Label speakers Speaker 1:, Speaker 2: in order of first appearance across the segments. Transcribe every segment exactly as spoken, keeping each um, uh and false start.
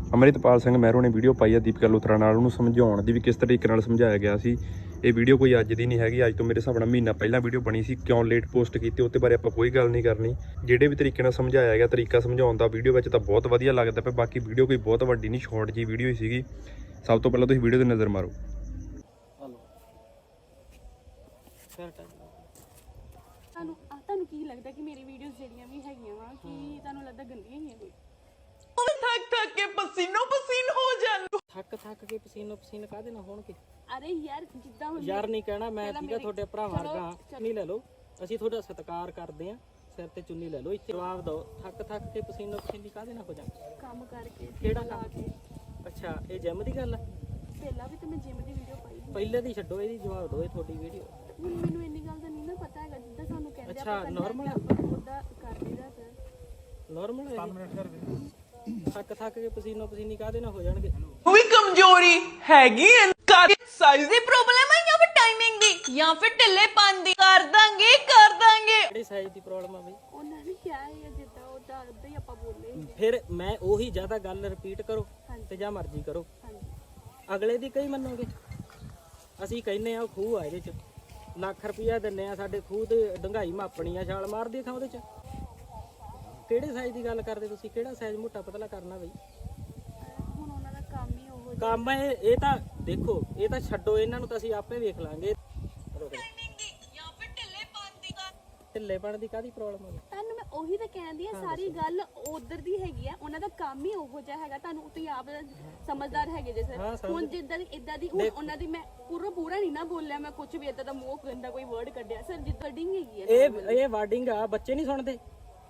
Speaker 1: ਅਮਰਿਤਪਾਲ ਸਿੰਘ ਮਹਿਰੋ ਨੇ ਵੀਡੀਓ ਪਾਈ ਆ ਦੀਪਿਕਾ ਲੁਥਰਾ ਨਾਲ, ਉਹਨੂੰ ਸਮਝਾਉਣ ਦੀ ਵੀ ਕਿਸ ਤਰੀਕੇ ਨਾਲ ਸਮਝਾਇਆ ਗਿਆ ਸੀ। ਇਹ ਵੀਡੀਓ ਕੋਈ ਅੱਜ ਦੀ ਨਹੀਂ ਹੈਗੀ, ਅੱਜ ਤੋਂ ਮੇਰੇ ਹਿਸਾਬ ਨਾਲ ਮਹੀਨਾ ਪਹਿਲਾਂ ਵੀਡੀਓ ਬਣੀ ਸੀ। ਕਿਉਂ ਲੇਟ ਪੋਸਟ ਕੀਤੀ ਉਹਦੇ ਬਾਰੇ ਆਪਾਂ ਕੋਈ ਗੱਲ ਨਹੀਂ ਕਰਨੀ। ਜਿਹੜੇ ਵੀ ਤਰੀਕੇ ਨਾਲ ਸਮਝਾਇਆ ਗਿਆ, ਤਰੀਕਾ ਸਮਝਾਉਣ ਦਾ ਵੀਡੀਓ ਵਿੱਚ ਤਾਂ ਬਹੁਤ ਵਧੀਆ ਲੱਗਦਾ ਪਿਆ। ਬਾਕੀ ਵੀਡੀਓ ਕੋਈ ਬਹੁਤ ਵੱਡੀ ਨਹੀਂ, ਸ਼ਾਰਟ ਜੀ ਵੀਡੀਓ ਹੀ ਸੀਗੀ। ਸਭ ਤੋਂ ਪਹਿਲਾਂ ਤੁਸੀਂ ਵੀਡੀਓ 'ਤੇ ਨਜ਼ਰ ਮਾਰੋ।
Speaker 2: ਤੁਹਾਨੂੰ ਤੁਹਾਨੂੰ ਕੀ ਲੱਗਦਾ ਕਿ ਮੇਰੀ ਵੀਡੀਓਜ਼ ਜਿਹੜੀਆਂ ਵੀ ਹੈਗੀਆਂ ਵਾ ਕਿ ਤੁਹਾਨੂੰ ਲੱਗਦਾ ਗੰਦੀਆਂ ਹੀ ਆ ਕੋਈ?
Speaker 3: ਥੱਕ ਥੱਕ ਕੇ ਪਸੀਨੋ ਪਸੀਨ ਹੋ ਜਾਣ।
Speaker 4: ਥੱਕ ਥੱਕ ਕੇ ਪਸੀਨੋ ਪਸੀਨ ਕਾਹਦੇ ਨਾਲ ਹੋਣਗੇ?
Speaker 2: ਅਰੇ ਯਾਰ ਜਿੱਦਾਂ ਹੁਣ
Speaker 4: ਯਾਰ ਨਹੀਂ ਕਹਿਣਾ ਮੈਂ, ਠੀਕ ਆ? ਤੁਹਾਡੇ ਭਰਾਵਾਂ ਵਰਗਾ ਚੁੰਨੀ ਲੈ ਲਓ, ਅਸੀਂ ਤੁਹਾਡਾ ਸਤਿਕਾਰ ਕਰਦੇ ਆ, ਸਿਰ ਤੇ ਚੁੰਨੀ ਲੈ ਲਓ। ਇੱਥੇ ਜਵਾਬ ਦਿਓ, ਥੱਕ ਥੱਕ ਕੇ ਪਸੀਨੋ ਪਸੀਨੀ ਕਾਹਦੇ ਨਾਲ ਹੋ ਜਾਣ?
Speaker 2: ਕੰਮ ਕਰਕੇ
Speaker 4: ਕਿਹੜਾ
Speaker 2: ਲਾ
Speaker 4: ਕੰਮ?
Speaker 2: ਕੇ।
Speaker 4: ਅੱਛਾ, ਇਹ ਜਿਮ ਦੀ ਗੱਲ ਆ?
Speaker 2: ਪਹਿਲਾਂ ਵੀ ਤਾਂ ਮੈਂ ਜਿਮ ਦੀ ਵੀਡੀਓ ਪਾਈ ਸੀ।
Speaker 4: ਪਹਿਲੇ ਦੀ ਛੱਡੋ, ਇਹਦੀ ਜਵਾਬ ਦਿਓ। ਇਹ ਤੁਹਾਡੀ ਵੀਡੀਓ
Speaker 2: ਹੁਣ ਮੈਨੂੰ ਇੰਨੀ ਗੱਲ ਦਾ ਨਹੀਂ ਨਾ ਪਤਾ ਹੈਗਾ, ਜਿੱਦਾਂ ਸਾਨੂੰ ਕਹਿੰਦੇ
Speaker 4: ਅੱਛਾ, normal ਆ?
Speaker 2: ਉਹਦਾ ਕਰ ਲਈਦਾ ਸਰ।
Speaker 4: ਨਾਰਮਲ ਹੈ? ਥੱਕ ਥੱਕ ਕੇ ਪਸੀਨੋ ਪਸੀਨੀ ਕਾਹਦੇ ਨਾਲ ਹੋ ਜਾਣਗੇ?
Speaker 3: ਉਹ ਵੀ ਕਮਜ਼ੋਰੀ ਹੈਗੀ ਐ, ਸਾਈਜ਼ ਦੀ ਪ੍ਰੋਬਲਮ ਹੈ ਜਾਂ ਫਿਰ ਟਾਈਮਿੰਗ ਦੀ ਜਾਂ ਫਿਰ ਢਿੱਲੇਪਨ ਦੀ? ਕਰ ਦਾਂਗੇ ਕਰ ਦਾਂਗੇ।
Speaker 4: ਕਿਹੜੀ ਸਾਈਜ਼ ਦੀ ਪ੍ਰੋਬਲਮ ਆ ਬਈ?
Speaker 2: ਉਹਨਾਂ ਨੇ ਕਿਹਾ ਹੈ ਜਿੱਦਾਂ ਉਹਦਾ ਉਦਾਂ ਹੀ ਆਪਾਂ ਬੋਲੇ।
Speaker 4: ਫਿਰ ਮੈਂ ਉਹੀ ਜ਼ਿਆਦਾ ਗੱਲ ਰਿਪੀਟ ਕਰੋ ਤੇ ਜਾਂ ਮਰਜ਼ੀ ਕਰੋ, ਅਗਲੇ ਦੀ ਕਈ ਮੰਨੋਗੇ? ਅਸੀਂ ਕਹਿੰਨੇ ਆ ਉਹ ਖੂਹ ਆ, ਇਹਦੇ ਚ ਲੱਖ ਰੁਪਇਆ ਦਿੰਨੇ ਆ, ਸਾਡੇ ਖੂਹ ਤੇ ਡੰਗਾਈ ਮਾਪਣੀ ਆ, ਛਾਲ ਮਾਰਦੀ ਥਾਂ ਉਹਦੇ ਚ। ਕਿਹੜੇ ਸਾਈਜ਼ ਦੀ ਗੱਲ ਕਰਦੇ ਤੁਸੀਂ? ਕਿਹੜਾ ਸਾਈਜ਼ ਮੋਟਾ ਪਤਲਾ ਕਰਨਾ ਬਈ?
Speaker 2: ਹੁਣ ਉਹਨਾਂ ਦਾ ਕੰਮ ਹੀ ਉਹ
Speaker 4: ਕੰਮ ਇਹ ਇਹ ਤਾਂ ਦੇਖੋ, ਇਹ ਤਾਂ ਛੱਡੋ, ਇਹਨਾਂ ਨੂੰ ਤਾਂ ਅਸੀਂ ਆਪੇ ਵੇਖ ਲਾਂਗੇ। ਢਿੱਲੇਪਣ ਦੀ ਕਾਹਦੀ ਪ੍ਰੋਬਲਮ ਹੈ?
Speaker 2: ਤੁਹਾਨੂੰ ਮੈਂ ਉਹੀ ਤਾਂ ਕਹਿੰਦੀ ਆ, ਸਾਰੀ ਗੱਲ ਉਧਰ ਦੀ ਹੈਗੀ ਆ। ਉਹਨਾਂ ਦਾ ਕੰਮ ਹੀ ਉਹੋ ਜਿਹਾ ਹੈਗਾ, ਤੁਹਾਨੂੰ ਤੁਸੀਂ ਆਪ ਸਮਝਦਾਰ ਹੈਗੇ ਜੇ ਸਰ। ਹੁਣ ਜਿੱਦਾਂ ਦੀ ਇਦਾਂ ਦੀ ਹੁਣ ਉਹਨਾਂ ਦੀ ਮੈਂ ਪੂਰਾ ਪੂਰਾ ਨਹੀਂ ਨਾ ਬੋਲਿਆ, ਮੈਂ ਕੁਝ ਵੀ ਇਦਾਂ ਦਾ ਮੂੰਹ ਗੰਦਾ ਕੋਈ ਵਰਡ ਕੱਢਿਆ ਸਰ, ਜਿੱਦਾਂ ਡਿੰਗ ਹੈਗੀ ਆ।
Speaker 4: ਇਹ ਇਹ ਵਾਰਡਿੰਗ ਆ, ਬੱਚੇ ਨਹੀਂ ਸੁਣਦੇ।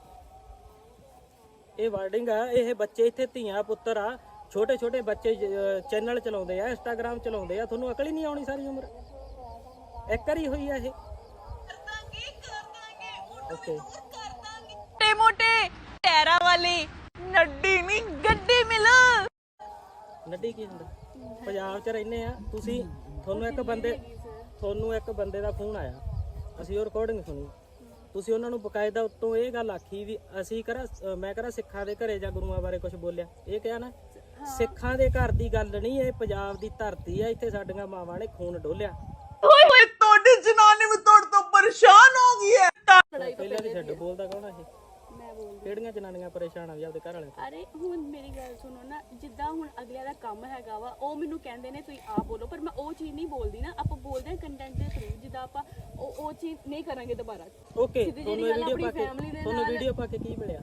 Speaker 4: ਇਹ ਵਾਰਡਿੰਗ ਆ, ਇਹ ਬੱਚੇ ਇੱਥੇ ਧੀਆਂ ਪੁੱਤਰ ਆ, ਛੋਟੇ ਛੋਟੇ ਬੱਚੇ ਚੈਨਲ ਚਲਾਉਂਦੇ ਆ, ਇੰਸਟਾਗ੍ਰਾਮ ਚਲਾਉਂਦੇ ਆ। ਤੁਹਾਨੂੰ ਅਕਲ ਹੀ ਨਹੀਂ ਆਉਣੀ ਸਾਰੀ ਉਮਰ? ਇੱਕ ਵਾਰੀ ਹੋਈ ਆ ਇਹ? ਓਕੇ,
Speaker 3: ਮੋਟੇ ਮੋਟੇ ਟੈਰਾ ਵਾਲੀ ਨੱਡੀ ਨਹੀਂ ਗੱਡੀ ਮਿਲ।
Speaker 4: ਨੱਡੀ ਕੀ ਹੁੰਦਾ? ਪੰਜਾਬ 'ਚ ਰਹਿੰਦੇ ਆ ਤੁਸੀਂ, ਤੁਹਾਨੂੰ ਇੱਕ ਬੰਦੇ ਤੁਹਾਨੂੰ ਇੱਕ ਬੰਦੇ ਦਾ ਫੋਨ ਆਇਆ, ਅਸੀਂ ਉਹ ਰਿਕਾਰਡਿੰਗ ਸੁਣੀ। ਤੁਸੀਂ ਉਹਨਾਂ ਨੂੰ ਬਕਾਇਦਾ ਉੱਤੋਂ ਇਹ ਗੱਲ ਆਖੀ ਵੀ ਅਸੀਂ ਕਰਾਂ ਮੈਂ ਕਰਾਂ ਸਿੱਖਾਂ ਦੇ ਘਰੇ ਜਾਂ ਗੁਰੂਆਂ ਬਾਰੇ ਕੁਝ ਬੋਲਿਆ? ਇਹ ਕਿਹਾ ਨਾ, ਸਿੱਖਾਂ ਦੇ ਘਰ ਦੀ ਗੱਲ ਨਹੀਂ, ਇਹ ਪੰਜਾਬ ਦੀ ਧਰਤੀ ਆ, ਇੱਥੇ ਸਾਡੀਆਂ ਮਾਵਾਂ ਨੇ ਖੂਨ ਡੋਲਿਆ।
Speaker 3: ਓਏ ਹੋਏ, ਤੁਹਾਡੀ ਜਨਾਨੀ ਵੀ ਤੁਹਾਡੇ ਤੋਂ ਪਰੇਸ਼ਾਨ ਹੋ ਗਈ ਹੈ।
Speaker 4: ਪਹਿਲਾਂ ਦੀ ਛੱਡ, ਬੋਲਦਾ ਕੌਣ ਆ ਇਹ?
Speaker 2: ਮੈਂ ਬੋਲਦੀ।
Speaker 4: ਕਿਹੜੀਆਂ ਜਨਾਨੀਆਂ ਪਰੇਸ਼ਾਨ ਆ ਵੀ ਆਪਦੇ ਘਰ ਵਾਲੇ?
Speaker 2: ਅਰੇ ਹੁਣ ਮੇਰੀ ਗੱਲ ਸੁਣੋ ਨਾ, ਜਿੱਦਾਂ ਹੁਣ ਅਗਲਿਆਂ ਦਾ ਕੰਮ ਹੈਗਾ ਵਾ, ਉਹ ਮੈਨੂੰ ਕਹਿੰਦੇ ਨੇ ਤੁਸੀਂ ਆਪ ਬੋਲੋ, ਪਰ ਮੈਂ ਉਹ ਚੀਜ਼ ਨਹੀਂ ਬੋਲਦੀ ਨਾ। ਆਪਾਂ ਬੋਲਦੇ ਹਾਂ ਕੰਟੈਂਟ ਦੇ ਥਰੂ, ਜਿੱਦਾਂ ਆਪਾਂ ਉਹ ਉਹ ਚੀਜ਼ ਨਹੀਂ ਕਰਾਂਗੇ ਦੁਬਾਰਾ।
Speaker 4: ਓਕੇ, ਤੁਹਾਨੂੰ ਵੀਡੀਓ ਪਾ ਕੇ ਤੁਹਾਨੂੰ ਵੀਡੀਓ ਪਾ ਕੇ ਕੀ ਮਿਲਿਆ?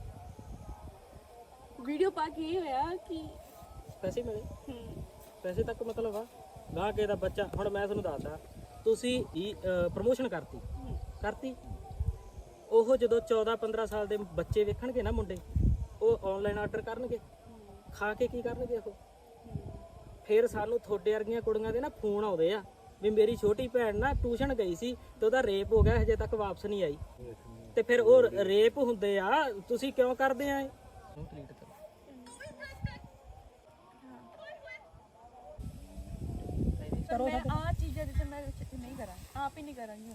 Speaker 2: ਵੀਡੀਓ ਪਾ ਕੇ ਇਹ ਹੋਇਆ ਕਿ
Speaker 4: ਪੈਸੇ ਮਿਲੇ?
Speaker 2: ਹੂੰ,
Speaker 4: ਪੈਸੇ ਤੱਕ ਮਤਲਬ ਆ ਗਾਹ ਕੇ ਦਾ ਬੱਚਾ। ਹੁਣ ਮੈਂ ਤੁਹਾਨੂੰ ਦੱਸਦਾ, ਤੁਸੀਂ ਪ੍ਰਮੋਸ਼ਨ ਕਰਤੀ ਕਰਤੀ ਉਹ ਜਦੋਂ ਚੌਦਾਂ ਪੰਦਰਾਂ ਸਾਲ ਦੇ ਬੱਚੇ ਵੇਖਣਗੇ ਨਾ ਮੁੰਡੇ, ਉਹ ਆਨਲਾਈਨ ਆਰਡਰ ਕਰਨਗੇ, ਖਾ ਕੇ ਕੀ ਕਰਨਗੇ ਉਹ? ਫਿਰ ਸਾਨੂੰ ਤੁਹਾਡੇ ਵਰਗੀਆਂ ਕੁੜੀਆਂ ਦੇ ਨਾ ਫੋਨ ਆਉਂਦੇ ਆ ਵੀ ਮੇਰੀ ਛੋਟੀ ਭੈਣ ਨਾ ਟਿਊਸ਼ਨ ਗਈ ਸੀ ਤੇ ਉਹਦਾ ਰੇਪ ਹੋ ਗਿਆ, ਹਜੇ ਤੱਕ ਵਾਪਸ ਨਹੀਂ ਆਈ। ਤੇ ਫਿਰ ਉਹ ਰੇਪ ਹੁੰਦੇ ਆ, ਤੁਸੀਂ ਕਿਉਂ ਕਰਦੇ ਆ ਇਹ?
Speaker 2: ਮੈਂ ਆ ਚੀਜ਼ਾਂ ਜਿੱਥੇ ਮੈਂ ਨਹੀਂ ਕਰਾਂ, ਆਪ ਹੀ ਨਹੀਂ ਕਰਾਂਗੀ।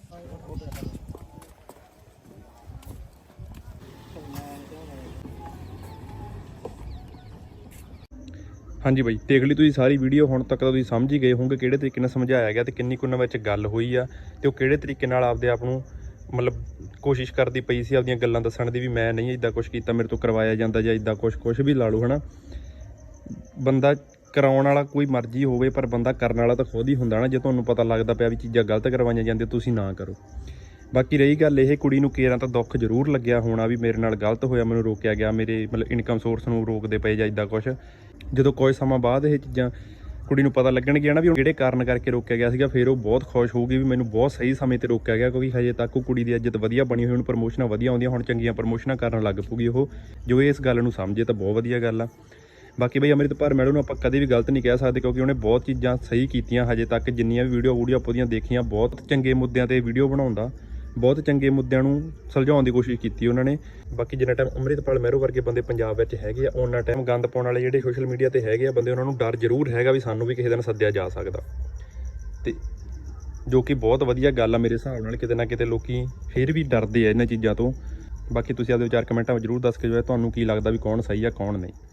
Speaker 1: ਹਾਂਜੀ ਬਾਈ, ਦੇਖ ਲਈ ਤੁਸੀਂ ਸਾਰੀ ਵੀਡੀਓ। ਹੁਣ ਤੱਕ ਤਾਂ ਤੁਸੀਂ ਸਮਝ ਹੀ ਗਏ ਹੋਵੋਗੇ ਕਿਹੜੇ ਤਰੀਕੇ ਨਾਲ ਸਮਝਾਇਆ ਗਿਆ ਤੇ ਕਿੰਨੀ ਕੁ ਉਹਨਾਂ ਵਿੱਚ ਗੱਲ ਹੋਈ ਆ, ਤੇ ਉਹ ਕਿਹੜੇ ਤਰੀਕੇ ਨਾਲ ਆਪਦੇ ਆਪ ਨੂੰ ਮਤਲਬ ਕੋਸ਼ਿਸ਼ ਕਰਦੀ ਪਈ ਸੀ ਆਪਦੀਆਂ ਗੱਲਾਂ ਦੱਸਣ ਦੀ ਵੀ ਮੈਂ ਨਹੀਂ ਇੱਦਾਂ ਕੁਛ ਕੀਤਾ, ਮੇਰੇ ਤੋਂ ਕਰਵਾਇਆ ਜਾਂਦਾ ਜਾਂ ਇੱਦਾਂ ਕੁਛ ਕੁਛ ਵੀ ਲਾ ਲਓ, ਹੈ ਨਾ। ਬੰਦਾ ਕਰਾਉਣ ਵਾਲਾ ਕੋਈ ਮਰਜ਼ੀ ਹੋਵੇ, ਪਰ ਬੰਦਾ ਕਰਨ ਵਾਲਾ ਤਾਂ ਖੁਦ ਹੀ ਹੁੰਦਾ ਨਾ। ਜੇ ਤੁਹਾਨੂੰ ਪਤਾ ਲੱਗਦਾ ਪਿਆ ਵੀ ਚੀਜ਼ਾਂ ਗਲਤ ਕਰਵਾਈਆਂ ਜਾਂਦੀਆਂ, ਤੁਸੀਂ ਨਾ ਕਰੋ। ਬਾਕੀ ਰਹੀ ਗੱਲ ਇਹ, ਕੁੜੀ ਨੂੰ ਕੇਰਾਂ ਤਾਂ ਦੁੱਖ ਜ਼ਰੂਰ ਲੱਗਿਆ ਹੋਣਾ ਵੀ ਮੇਰੇ ਨਾਲ ਗਲਤ ਹੋਇਆ, ਮੈਨੂੰ ਰੋਕਿਆ ਗਿਆ, ਮੇਰੇ ਮਤਲਬ ਇਨਕਮ ਸੋਰਸ ਨੂੰ ਰੋਕਦੇ ਪਏ ਜਾਂ ਇੱਦਾਂ ਕੁਛ। ਜਦੋਂ ਕੁਝ ਸਮਾਂ ਬਾਅਦ ਇਹ ਚੀਜ਼ਾਂ ਕੁੜੀ ਨੂੰ ਪਤਾ ਲੱਗਣਗੀਆਂ ਨਾ ਵੀ ਕਿਹੜੇ ਕਾਰਨ ਕਰਕੇ ਰੋਕਿਆ ਗਿਆ ਸੀਗਾ, ਫਿਰ ਉਹ ਬਹੁਤ ਖੁਸ਼ ਹੋਊਗੀ ਵੀ ਮੈਨੂੰ ਬਹੁਤ ਸਹੀ ਸਮੇਂ ਤੇ ਰੋਕਿਆ ਗਿਆ, ਕਿਉਂਕਿ ਹਜੇ ਤੱਕ ਉਹ ਕੁੜੀ ਦੀ ਇੱਜ਼ਤ ਵਧੀਆ ਬਣੀ ਹੋਈ, ਉਹਨੂੰ ਪ੍ਰਮੋਸ਼ਨਾਂ ਵਧੀਆ ਆਉਂਦੀਆਂ, ਹੁਣ ਚੰਗੀਆਂ ਪ੍ਰਮੋਸ਼ਨਾਂ ਕਰਨ ਲੱਗ ਪਊਗੀ ਉਹ। ਜੋ ਇਸ ਗੱਲ ਨੂੰ ਸਮਝੇ ਤਾਂ ਬਹੁਤ ਵਧੀਆ ਗੱਲ ਆ। ਬਾਕੀ ਬਈ ਅਮਰਿਤਪਾਲ ਮੈਡਮ ਨੂੰ ਆਪਾਂ ਕਦੇ ਵੀ ਗਲਤ ਨਹੀਂ ਕਹਿ ਸਕਦੇ, ਕਿਉਂਕਿ ਉਹਨੇ ਬਹੁਤ ਚੀਜ਼ਾਂ ਸਹੀ ਕੀਤੀਆਂ ਹਜੇ ਤੱਕ। ਜਿੰਨੀਆਂ ਵੀ ਵੀਡੀਓ ਵੂਡੀਓ ਆਪਾਂ ਉਹਦੀਆਂ ਦੇਖੀਆਂ, ਬਹੁਤ ਚੰਗੇ ਮੁੱਦਿਆਂ ਤੇ ਵੀਡੀਓ ਬਣਾਉਂਦਾ, ਬਹੁਤ ਚੰਗੇ ਮੁੱਦਿਆਂ ਨੂੰ ਸੁਲਝਾਉਣ ਦੀ ਕੋਸ਼ਿਸ਼ ਕੀਤੀ ਉਹਨਾਂ ਨੇ। ਬਾਕੀ ਜਿੰਨਾ ਟਾਈਮ ਅਮਰਿਤਪਾਲ ਮਹਿਰੋ ਵਰਗੇ ਬੰਦੇ ਪੰਜਾਬ ਵਿੱਚ ਹੈਗੇ ਆ, ਉਹਨਾਂ ਟਾਈਮ ਗੰਦ ਪਾਉਣ ਵਾਲੇ ਜਿਹੜੇ ਸੋਸ਼ਲ ਮੀਡੀਆ ਤੇ ਹੈਗੇ ਆ ਬੰਦੇ, ਉਹਨਾਂ ਨੂੰ ਡਰ ਜ਼ਰੂਰ ਹੈਗਾ ਵੀ ਸਾਨੂੰ ਵੀ ਕਿਸੇ ਦਿਨ ਸੱਦਿਆ ਜਾ ਸਕਦਾ, ਤੇ ਜੋ ਕਿ ਬਹੁਤ ਵਧੀਆ ਗੱਲ ਆ ਮੇਰੇ ਹਿਸਾਬ ਨਾਲ। ਕਿਤੇ ਨਾ ਕਿਤੇ ਲੋਕੀ ਫਿਰ ਵੀ ਡਰਦੇ ਆ ਇਹਨਾਂ ਚੀਜ਼ਾਂ ਤੋਂ। ਬਾਕੀ ਤੁਸੀਂ ਆਪਦੇ ਵਿਚਾਰ ਕਮੈਂਟਾਂ ਵਿੱਚ ਜ਼ਰੂਰ ਦੱਸ ਕੇ ਜੋ ਹੈ ਤੁਹਾਨੂੰ ਕੀ ਲੱਗਦਾ ਵੀ ਕੌਣ ਸਹੀ ਆ ਕੌਣ ਨਹੀਂ।